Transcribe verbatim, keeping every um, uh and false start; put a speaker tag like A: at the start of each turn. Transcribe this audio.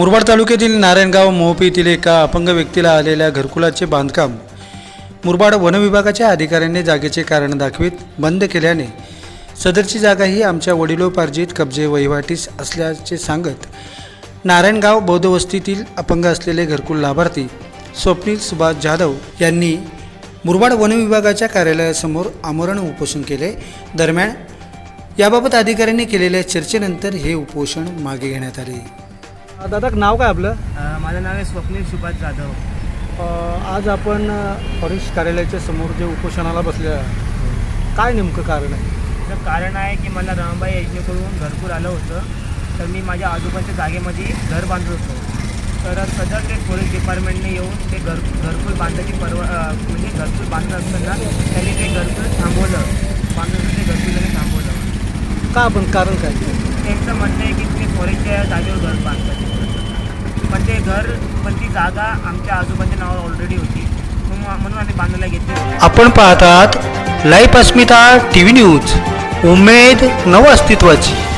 A: मुरबाड तालुक्यातील नारायणगाव मोहपी येथील एका अपंग व्यक्तीला आलेल्या घरकुलाचे बांधकाम मुरबाड वनविभागाच्या अधिकाऱ्यांनी जागेचे कारण दाखवित बंद केल्याने सदरची जागा ही आमच्या वडिलोपार्जित कब्जे वहिवाटीस असल्याचे सांगत नारायणगाव बौद्ध वस्तीतील अपंग असलेले घरकुल लाभार्थी स्वप्नील सुभाष जाधव यांनी मुरबाड वनविभागाच्या कार्यालयासमोर आमरण उपोषण केले। दरम्यान याबाबत अधिकाऱ्यांनी केलेल्या चर्चेनंतर हे उपोषण मागे घेण्यात आले।
B: दादा नाव काय आपलं?
C: माझं नाव आहे स्वप्नील सुभाष जाधव।
B: आज आपण फॉरेस्ट कार्यालयाच्या समोर जे उपोषणाला बसले आहे, काय नेमकं कारण आहे?
C: तर कारण आहे की मला रमाबाई योजनेकडून घरकुल आलं होतं, तर मी माझ्या आजोबाच्या जागेमध्ये घर बांधत होतो। तर सदर ते फॉरेस्ट डिपार्टमेंटने येऊन ते घर घरकुल बांधायची परवा म्हणजे घरकुल बांधत असताना त्यांनी ते घरकुल थांबवलं, बांधून ते घरकुल त्यांनी थांबवलं।
B: का आपण कारण काय?
C: त्यांचं म्हणणं आहे की तुम्ही फॉरेस्टच्या जागेवर घर बांधता, पण ते घर पण ती जागा आमच्या आजोबांच्या नावावर ऑलरेडी होती, म्हणून आम्ही बांधायला घेतली।
A: आपण पाहतात लाईव्ह अस्मिता टीव्ही न्यूज, उमेद नव अस्तित्वाची।